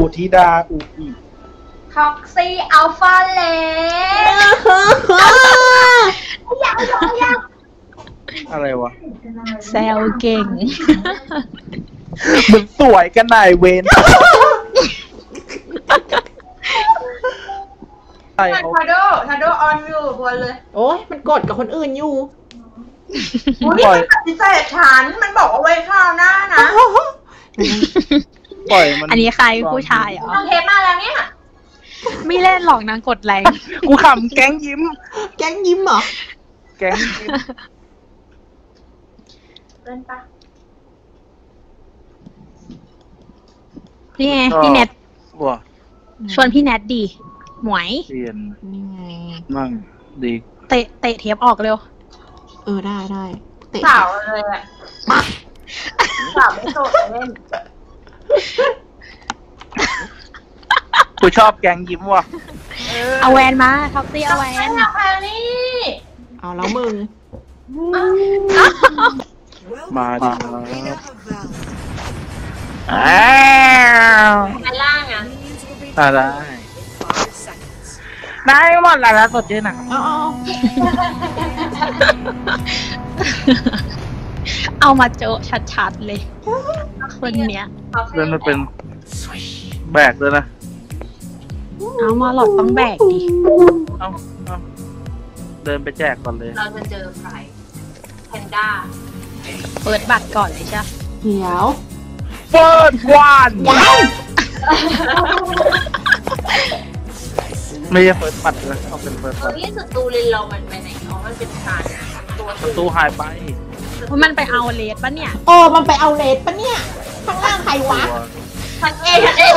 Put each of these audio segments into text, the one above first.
ธิดาอุอิท็อกซี่อัลฟาเลสอะไรวะแซวเก่งเหมือนสวยกันนายเวนทาโดออนอยู่บนเลยโอ้ยมันกดกับคนอื่นอยู่นี่มันปฏิเสธฉันมันบอกเอาไว้ข้าวหน้านะปล่อยมันอันนี้ใครผู้ชายเหรอทำเทปมาแล้วเนี่ยไม่เล่นหรอกนางกดแรงกูขำแก๊งยิ้มเหรอแก๊งยิ้มเล่นปะนี่ไงพี่เน็ตชวนพี่แนทดีหมวยเรียนมั่งดีเตะเทปออกเร็วได้เตะสาวเลยอ่ะสาวไม่โสดเล่นกูชอบแก๊งยิ้มว่ะเอาแวนมาท็อปซี่เอาแวนเอาแล้วมึงมาดิไปล่างอ่ะได้หมดแล้วสดชื่นหนังเอามาโจชัดๆเลยคนเนี้ยเดินมาเป็นแบกเลยนะเอามาหลอดต้องแบกดิเอาเดินไปแจกก่อนเลยเราจะเจอใครแพนด้าเปิดบัตรก่อนเลยจ้ะเดี๋ยวเปิดวันไม่ใช่เปิดบัตรเลยเอาเป็นเปิดบัตรที่ศัตรูเลนเรามันไปไหนมันเป็นการศัตรูหายไปมันไปเอาเลสปะเนี่ยมันไปเอาเลสปะเนี่ยข้างล่างใครวะทันเอ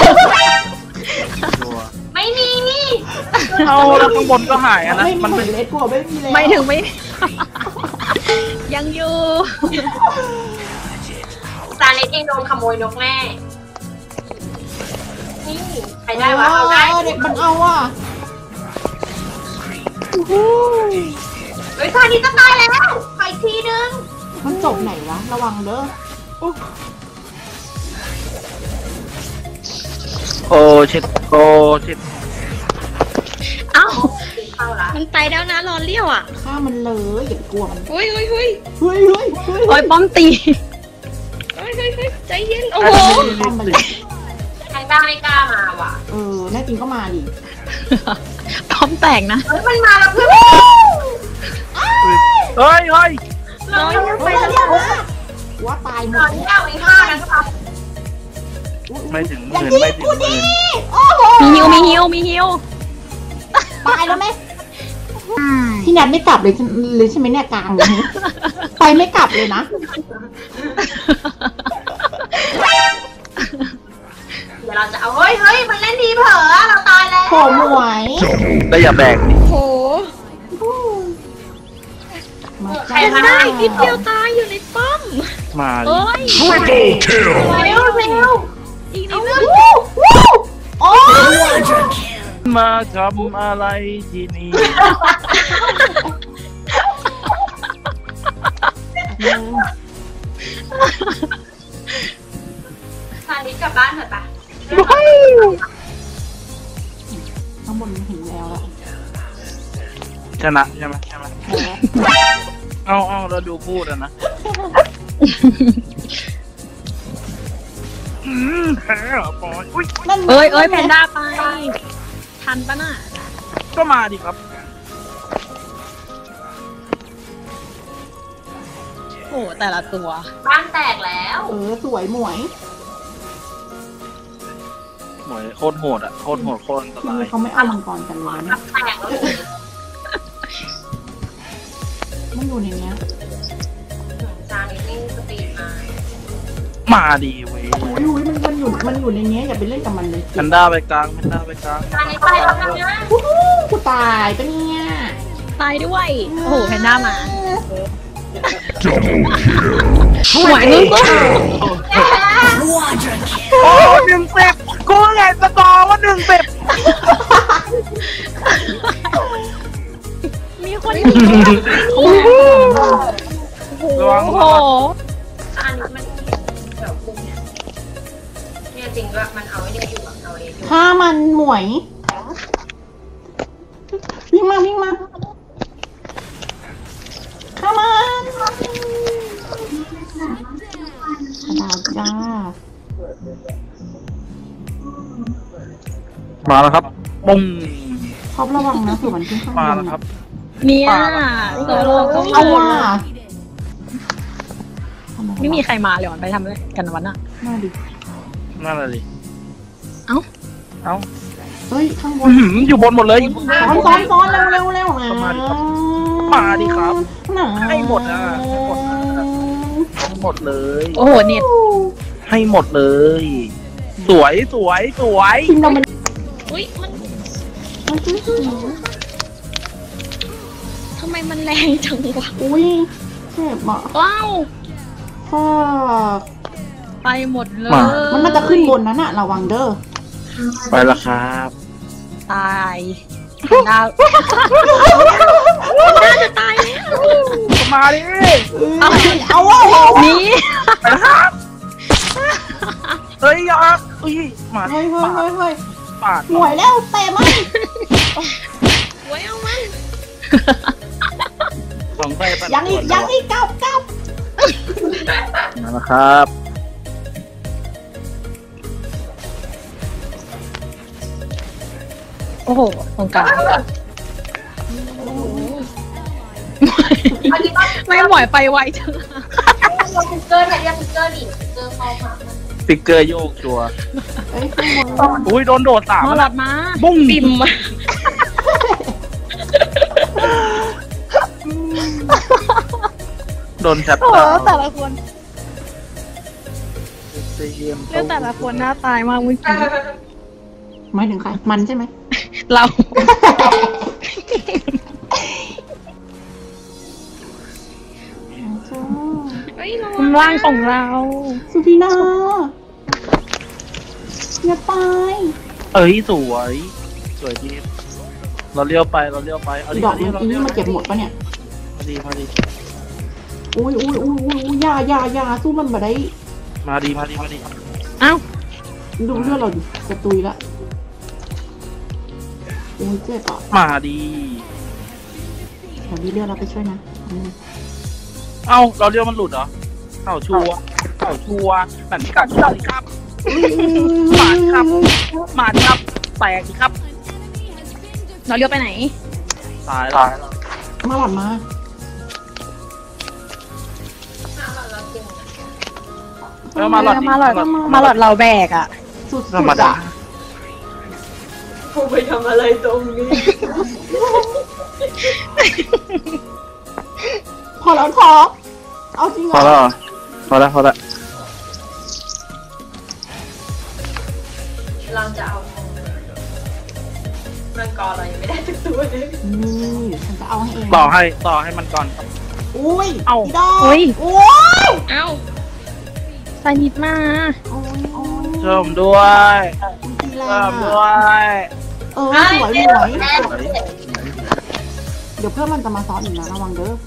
ไม่มีนี่เอาแล้วข้างบนก็หายนะมันเป็นเลสกลัวไม่มีเลยไม่ถึงไม่ยังอยู่ซาเลสเองโดนขโมยนกแม่นี่ใครได้วะเอาได้เด็กมันเอาอ่ะเฮ้ยซานี้จะตายแล้วไปทีนึงมันจบไหนวะระวังเด้อโอ้ชิดเอ้ามันไปแล้วนะรอเลี้ยวอ่ะฆ่ามันเลยอย่ากลัวมันเฮ้ยโอ้ยป้อมตีใจเย็นโอ้โหใครบ้างไม่กล้ามาว่ะแน่จริงก็มาดิป้อมแตกนะเฮ้ยมันมาแล้วเพื่อนเฮ้ยเราไปแล้วว่าตายหมดที่เอาไอ้ห้านะครับไม่ถึงหมื่นมีฮิวตายแล้วไหมพี่นัทไม่กลับเลยใช่ไหมเนี่ยกลางเลยไปไม่กลับเลยนะเดี๋ยวเราจะเอาเฮ้ยมันเล่นดีเผลอเราตายแล้วโหหมวยได้อย่าแบกดิโหใครได้นิดเดียวตายอยู่ในป้อมมาเฮ้ยเร็วอีกนิดนึงมาทำอะไรที่นี่ซาลิสกลับบ้านเถอะปะข้างบนเห็นแล้วอะชนะใช่ไหมเอาเราดูพูดนะแพ้เหรอปอยเอ้ยแพนด้าไปทันปะน่ะก็มาดิครับโอ้แต่ละตัวบ้านแตกแล้วสวยหมวยโคตรโหดอ่ะโคตรอันตรายเขาไม่เอามังกรกันเลยนะแตกแล้วมันอยู่ในเนี้ยจานนี้สตีมาดีเว้ยมันอยู่ในเนี้ยอย่าไปเล่นกับมันเลยแพนด้าไปกลางจานนี้ไปแล้วนะกูตายปะเนี่ยตายด้วยโอ้โหแพนด้ามาหวานมึงก็โอ้1-10กูไงสกอร์ว่า1-10 มีคนยิงโอ้โหอันนี้มันแบบคุ้มเนี่ยจริงว่ามันเอาไว้เนี่ยอยู่กับเราเองฆ่ามันหมวยวิ่งมาวิ่งมาฆ่ามันดาวจ้ามาแล้วครับปุ้งครอบระวังนะเผื่อมันขึ้นข้างบมาน แล้วครับเนี่ยโซโล่ก็เอาว่ะไม่มีใครมาเลยวันไปทำอะไรกันวันน่ะน่าดินั่นแหละดิเอ้าเอ้าเฮ้ยข้างบอื้นอหืออยู่บนหมดเลยซ้อนเร็วนะมาดิครับนะให้หมดนะให้หมดเลยโอ้โหเน็ตให้หมดเลย สวยสวยสวยทีมเรามันอุ้ยมันมันคือทำไมมันแรงจังวะอุ้ยเจ็บอ่ะว้าวฟากไปหมดเลยมันน่าจะขึ้นบนนั้นอะระวังเด้อไปละครับตายดาวน่าจะตายแล้วมาดิเอาว่ะนี่ไปละครับเฮ้ยยากอุ้ยหมาเฮ้ยปาดหน่วยแล้วเตะมันไว้เอามันสองไฟปัดยังอีกกลับมาละครับโอ้โหตรงกลางไม่หมวยไปไวจังฟิกเกอร์เนี่ยฟิกเกอร์ดิฟิกเกอร์เข้ามาฟิกเกอร์โยกชัวร์เอ้ยข้างบนอุ้ยโดนโดดสามมอหลอดมาบุ้งปิ่มมาโดนชัดโอ้โหดาวน์แต่ละคนเยี่ยมเรื่องแต่ละคนหน้าตายมากเมื่อกี้หมายถึงใครมันใช่ไหมเรา คุมร่างของเราสุธีนาอย่าไปเอ้ยสวยสวยดีเราเลี้ยวไปเอาดิดอกเอาดิมันอีนี่มาเก็บหมดปะเนี่ยมาดิอุ้ยอย่าสู้มันมาได้มาดิเอ้าดูเลือดเราดิจะตุยละโอ้ยเจ็บอ่ะมาดิเดี๋ยวมีเลือดเราไปช่วยนะเอ้าเราเลี้ยวมันหลุดเหรอเอ้าชัวร์แบบนี้กัดชัวร์ดิครับ มาดิครับ แตกดิครับเราเลี้ยวไปไหนตายแล้วมาหลอดมามาหลอดมาหลอดเราแบกอ่ะสุดธรรมดากูไปทำอะไรตรงนี้พอแล้วท็อปเอาจริงเหรพออแล้วเหรอพอแล้วเราจะเอามังกรเรายังไม่ได้ทุกตัวเลยนี่ฉันจะเอาให้เองต่อให้มันก่อนครับอุ้ยเอ้าพี่ดอกอุ้ยโอ้ยเอ้าใส่นิดมาโอ้ยเชิมด้วยตีแรเชิงมอ่ะด้วยสวยเดี๋ยวเพื่อนมันจะมาซ้อนอีกนะระวังเด้อ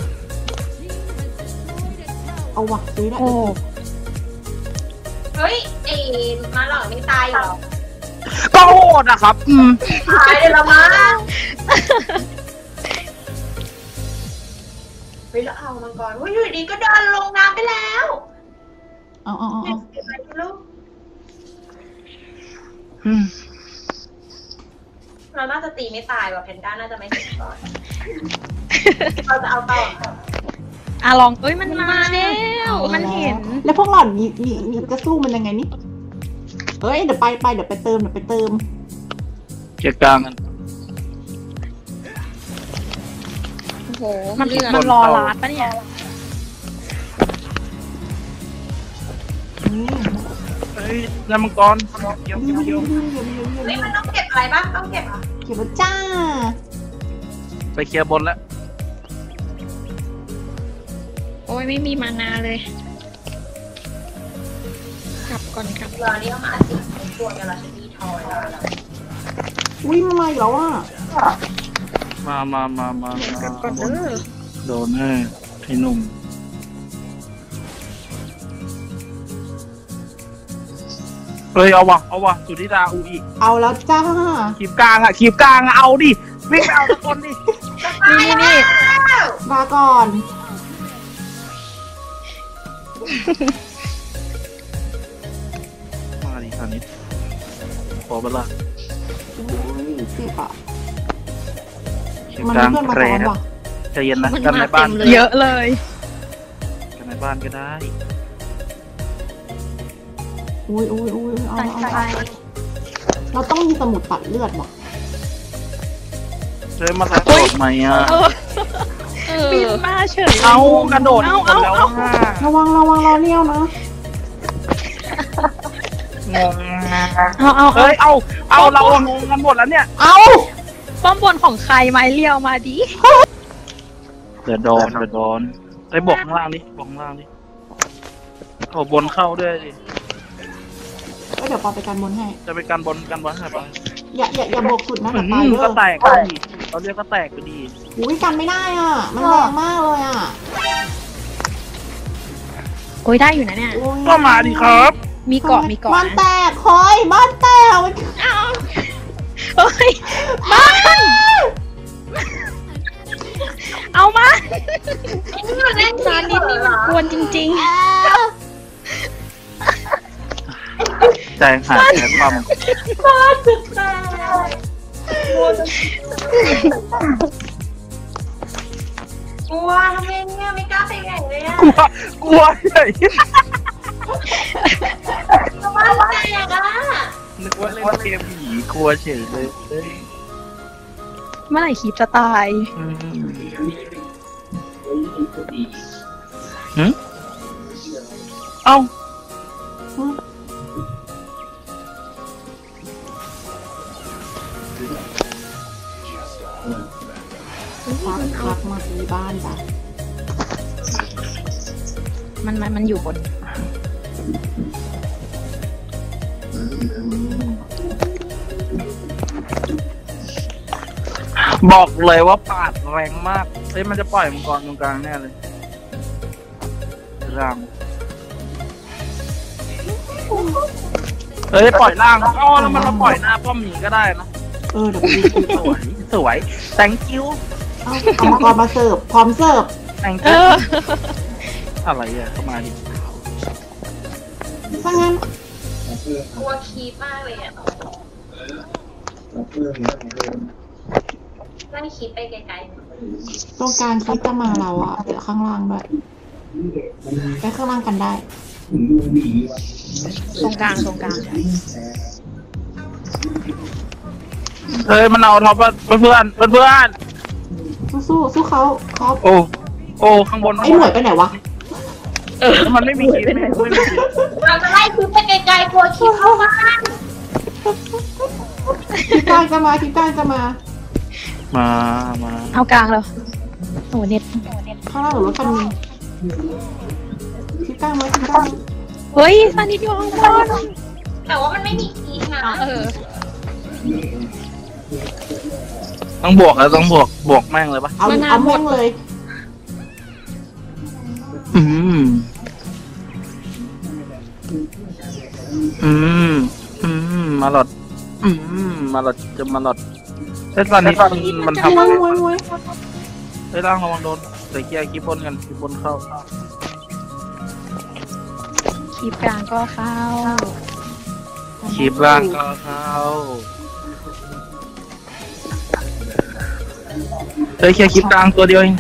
เอาวะซื้อได้โอ้เฮ้ยไอ้มาหลอกไม่ตายหรอก็โหดนะครับตายเลยละมั้งเฮ้ยแล้วเอามังกรว่าอยู่ดีก็เดินลงน้ำไปแล้วเอาไปลูกเราน่าจะตีไม่ตายว่ะแพนด้าน่าจะไม่เห็นก่อนเราจะเอาต่ออะลองเอ้ยมันมาแล้วมันเห็นแล้วพวกหล่อนนี่จะสู้มันยังไงนี่เฮ้ยเดี๋ยวไปเดี๋ยวไปเติมเกียร์กลางกันโอ้โหมันรอลาดปะเนี่ยเฮ้ยน้ำมังกรเกี่ยวเฮ้ยมันต้องเก็บอะไรบ้างต้องเก็บอ่ะเก็บไว้จ้าไปเคลียร์บนแล้วโอ้ยไม่มีมานาเลยกลับก่อนครับเรือนี่ต้องมาสิตัวกันละชนีทอยแล้วอุ้ยมันมาอีกแล้วอ่ะมากลับก่อนเด้อโดนแน่พี่หนุ่มเฮ้ยเอาวะสุธิดาอูอีกเอาแล้วจ้าขีบกลางเอาดิวิ่งไปเอาทุกคนดินี่มาก่อนมาดิตอนนี้ขอเวลาอุ้ยเจ็บอ่ะขีบมันกลางเพื่อนมาแรซ้อนงว่ะใจเย็นนะมันกันในมาบ้านเต็มเลยเยอะเลยกันในบ้านก็ได้อุ้ยเอาเราต้องมีสมุดตัดเลือดว่ะเฮ้ยมาแล้วโดดไหมอ่ะบินมาเฉยเอากระโดดหมดแล้วอ่ะระวังรอเลี้ยวนะงงเอาเฮ้ยเอาเรางงกันหมดแล้วเนี่ยเอาป้อมบนของใครไม้เลี้ยวมาดิเดือดโดนไอ้บอกข้างล่างดิเอาบนเข้าด้วยดิเดี๋ยวปอไปกันบนให้จะไปกันบนให้ไปอย่าบกสุดนะแต่ตายเยก็อะแตกก็ดีเราเรียกก็แตกก็ดีอุ้ยกันไม่ได้อ่ะ มันแรงมากเลยอ่ะโอ้ยได้อยู่นะเนี่ยโอ้ยก็มาดิครับมีเกาะบ้านแตกคอยบ้านแตกมันเฮ้ยบ้านเอามาซานิดนี่มันกวนจริงใจหายแค่ความบ้านสุดแตกกลัวทำไมเนี่ยไม่กล้าไปแข่งเลยอะกลัวเฉยบ้านแตกอะนึกว่าเล่นเกมผีกลัวเฉยเลยๆ เมื่อไหร่คลิปจะตายเอ้าพักมาที่บ้านจ้ะมันอยู่บนบอกเลยว่าปาดแรงมากเฮ้ยมันจะปล่อยมังกรตรงกลางแน่เลยร่างเฮ้ยปล่อยล่างอ๋อแล้วมันมาปล่อยหน้าป้อมหมีก็ได้นะเดี๋ยวไปดูสวย thank you เอามังกรมาเสิร์ฟพร้อมเสิร์ฟ thank เอ you ออะไรอ่ะเข้ามาดิถ้างั้นกลัวคีบมากเลยอะไล่คีบไปไกลตรงกลางคิดจะมาเราอ่ะเดี๋ยวข้างล่างด้วยไปข้างล่างกันได้ตรงกลางเฮ้ยมันเอาท็อปเพื่อนสู้เขาครับโอ้ข้างบนไอ้หน่วยไปไหนวะมันไม่มีคีบไม่มีคีบๆเราจะไล่คีบไปไกลๆกลัวคีบเข้าบ้านคิดกลางจะมามาเอากลางแล้วโอ้เน็ตข้างล่างหรือรถคันนี้คิดกลางไหมเฮ้ยซานิดอยู่ข้างบนแต่ว่ามันไม่มีคีบนะต้องบวกแล้วต้องบวกแม่งเลยปะเอาแม่งเลยมาหลอดจะมาหลอดเฮ้ยตอนนี้มันทำมวยเฮ้ยร่างระวังโดนใส่เกียร์คีบบนกันคีบบนเข้าคลิปกลางก็เข้าคีบร่างก็เข้าเฮ้ยแค่คีบกลางตัวเดียวเอง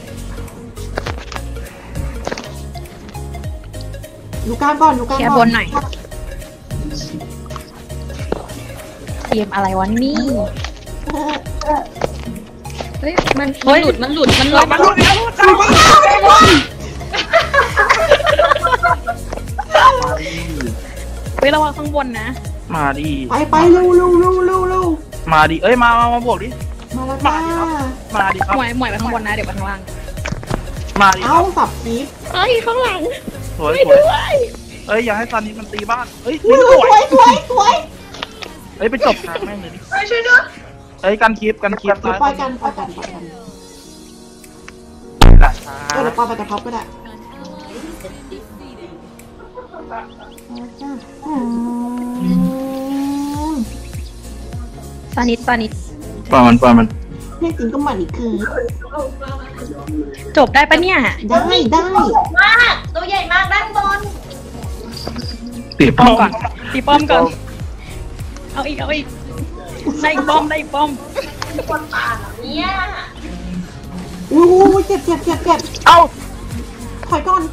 อยู่กลางก่อนแค่บนหน่อยเกมอะไรวะนี่เฮ้ยมันหลุดเฮ้ยระวังข้างบนนะมาดิไปเร็วมาดิเอ้ยมาบวกดิมาแล้วจ้ามาดิครับหมวยไปข้างบนนะเดี๋ยวไปข้างล่างมาดิคเอารับสับคีบเฮ้ยข้างหลังสวยเอ้ยอย่าให้ซันนี่มันตีบ้านเอ้ยสวยเอ้ยไปจบทางแม่งเลยดิไปช่วยด้วยเอ้ยกันคีบปล่อยกันเดี๋ยวปล่อยไปกับท็อปก็ได้ปานิดปล่อยมันแน่จริงก็มาอีกคือจบได้ปะเนี่ยได้มากตัวใหญ่มากด้านบนตีป้อมก่อนตีป้อมก่อน เอาอีกได้อีกป้อมคนป่าแบบเนี้ยอู้เจ็บเอ้าถอยก่อน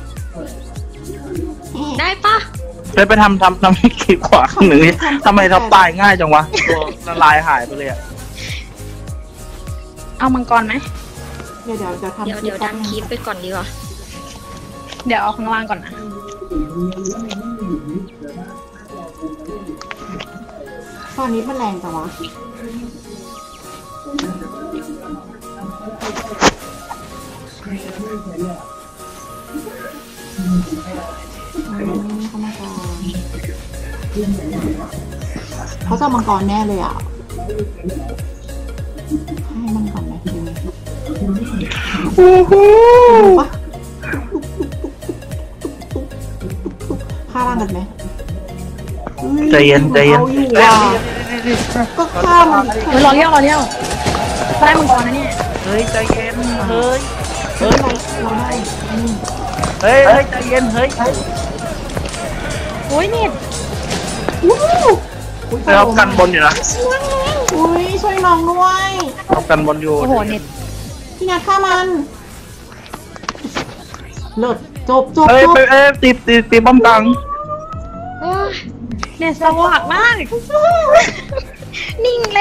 ได้ปะไปทำให้ขีดขวาข้างหนึ่งนี่ทำไมทับตายง่ายจังวะตัวละลายหายไปเลยอะเอามังกรไหมเดี๋ยวทำเดี๋ยวดันคลิปไปก่อนดีกว่า เดี๋ยวเอาข้างล่างก่อนนะตอนนี้มันแรงจังวะเข้ามาก่อนเขาจะมังกรแน่เลยอ่ะให้มันก่อนไหมปะฆ่าร่างกันไหมใจเย็นเอาอยู่ว่ะก็ฆ่ามันอีกรอเลี้ยวได้มังกรนะเนี่ยเฮ้ยใจเย็นเฮ้ยเราได้เฮ้ยใจเย็นเฮ้ยโอ้ยเน็ตเรากันบนอยู่นะอุ้ยช่วยน้องด้วยเรากันบนอยู่โอ้โหเน็ตพี่นัทฆ่ามันเลิศจบเฮ้ยตีป้อมกลางโอ้ยเน็ตสว่างมาก นิ่งเลย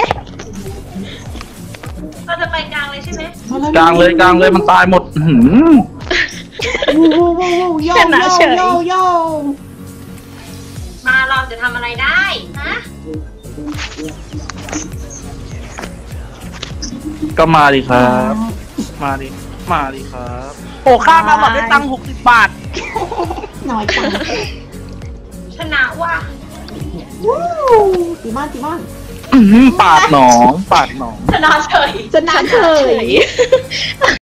เราจะไปกลางเลยใช่ไหมกลางเลยมันตายหมดหืมโยโย่มาเราจะทำอะไรได้ฮะก็มาดิครับ มาดิครับโอ้ค่ามาหมดได้ตังค์60 บาทหน่อยจังชนะว่ะตีบ้านปาดหนองชนะเฉยจะนานเฉย